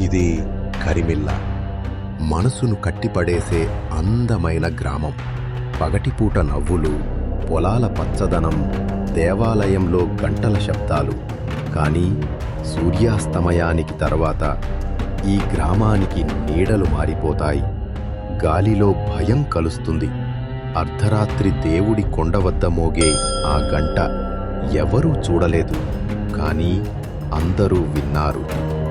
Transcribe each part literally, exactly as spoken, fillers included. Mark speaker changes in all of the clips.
Speaker 1: ఇది కరిమిల్ల, మనసును కట్టిపడేసే అందమైన గ్రామం. పగటిపూట నవ్వులు, పొలాల పచ్చదనం, దేవాలయంలో గంటల శబ్దాలు. కానీ సూర్యాస్తమయానికి తర్వాత ఈ గ్రామానికి నీడలు మారిపోతాయి. గాలిలో భయం కలుస్తుంది. అర్ధరాత్రి దేవుడి కొండ వద్ద మోగే ఆ గంట ఎవరూ చూడలేదు, కానీ అందరూ విన్నారు.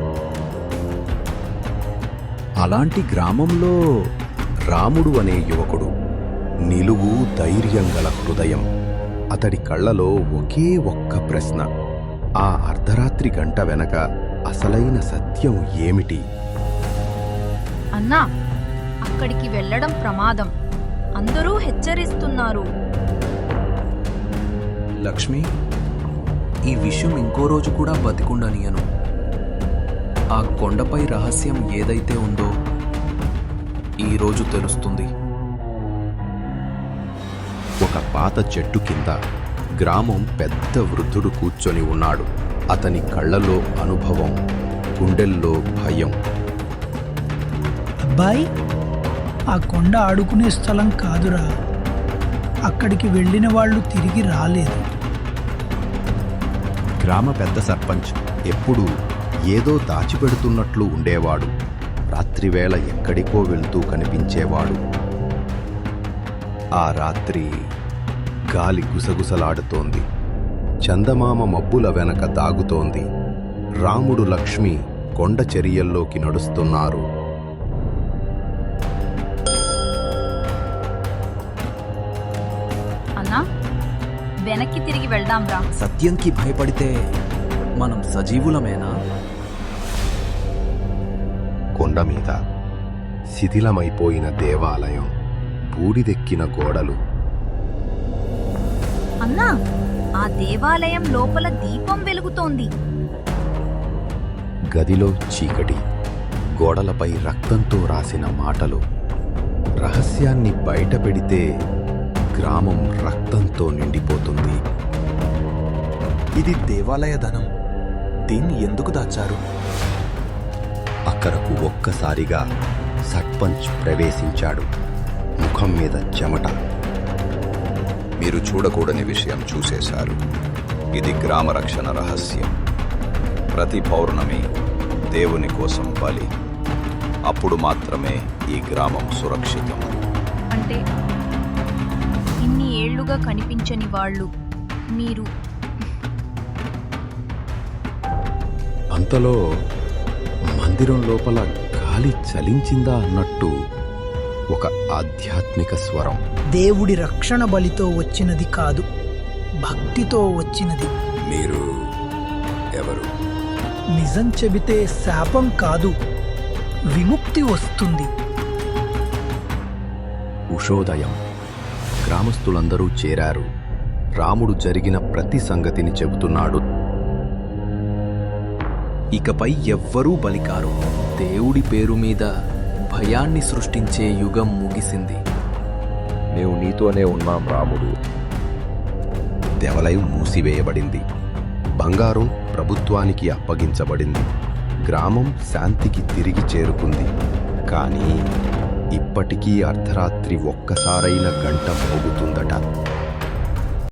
Speaker 1: అలాంటి గ్రామంలో రాముడు అనే యువకుడు. నిలువు ధైర్యం గల హృదయం. అతడి కళ్ళలో ఒకే ఒక్క ప్రశ్న: ఆ అర్ధరాత్రి గంట వెనక అసలైన సత్యం ఏమిటి?
Speaker 2: అన్నా, అక్కడికి వెళ్ళడం ప్రమాదం. అందరూ హెచ్చరిస్తున్నారు.
Speaker 3: లక్ష్మి, ఈ విషయం ఇంకో రోజు కూడా బతికుండనియను. ఆ కొండపై రహస్యం ఏదైతే ఉందో ఈరోజు తెలుస్తుంది.
Speaker 1: ఒక పాత చెట్టు కింద గ్రామం పెద్ద వృద్ధుడు కూర్చొని ఉన్నాడు. అతని కళ్ళలో అనుభవం, గుండెల్లో భయం.
Speaker 4: అబ్బాయి, ఆ కొండ ఆడుకునే స్థలం కాదురా. అక్కడికి వెళ్ళిన వాళ్ళు తిరిగి రాలేదు.
Speaker 1: గ్రామ పెద్ద సర్పంచ్ ఎప్పుడూ ఏదో దాచిపెడుతున్నట్లు ఉండేవాడు. రాత్రివేళ ఎక్కడికో వెళ్తూ కనిపించేవాడు. ఆ రాత్రి గాలి గుసగుసలాడుతోంది. చందమామ మబ్బుల వెనక దాగుతోంది. రాముడు, లక్ష్మి కొండ చరియల్లోకి నడుస్తున్నారు.
Speaker 2: అన్నా, వెనక్కి తిరిగి వెళ్దాంరా.
Speaker 3: సత్యంకి భయపడితే మనం సజీవులమేనా?
Speaker 1: కొండ మీద శిథిలమైపోయిన దేవాలయం, బూడిదెక్కిన గోడలు.
Speaker 2: అన్నా, ఆ దేవాలయం లోపల దీపం వెలుగుతోంది.
Speaker 1: గదిలో చీకటి, గోడలపై రక్తంతో రాసిన మాటలు. రహస్యాన్ని బయటపెడితే గ్రామం రక్తంతో నిండిపోతుంది.
Speaker 3: ఇది దేవాలయ ధనం. దీన్ని ఎందుకు దాచారు?
Speaker 1: అక్కడకు ఒక్కసారిగా సర్పంచ్ ప్రవేశించాడు. ముఖం మీద చెమట.
Speaker 5: మీరు చూడకూడని విషయం చూసేశారు. ఇది గ్రామ రక్షణ రహస్యం. ప్రతి పౌర్ణమి దేవుని కోసం బలి. అప్పుడు మాత్రమే ఈ గ్రామం సురక్షితం.
Speaker 2: అంటే ఇన్ని ఏళ్లుగా కనిపించని వాళ్ళు మీరు.
Speaker 1: అంతలో మందిరం లోపల గాలి చలించిందా అన్నట్టు ఒక ఆధ్యాత్మిక స్వరం.
Speaker 4: దేవుడి రక్షణ బలితో వచ్చినది కాదు, భక్తితో వచ్చినది.
Speaker 5: మీరు ఎవరు?
Speaker 4: నిజం చెబితే శాపం కాదు, విముక్తి వస్తుంది.
Speaker 1: ఉషోదయం. గ్రామస్తులందరూ చేరారు. రాముడు జరిగిన ప్రతి సంగతిని చెబుతున్నాడు.
Speaker 3: ఇకపై ఎవ్వరూ బలికారు. దేవుడి పేరు మీద భయాన్ని సృష్టించే యుగం ముగిసింది.
Speaker 5: మేము నీతోనే ఉన్నాం రాముడు.
Speaker 1: దేవాలయం మూసివేయబడింది. బంగారం ప్రభుత్వానికి అప్పగించబడింది. గ్రామం శాంతికి తిరిగి చేరుకుంది. కానీ ఇప్పటికీ అర్ధరాత్రి ఒక్కసారైన గంట మోగుతుందట.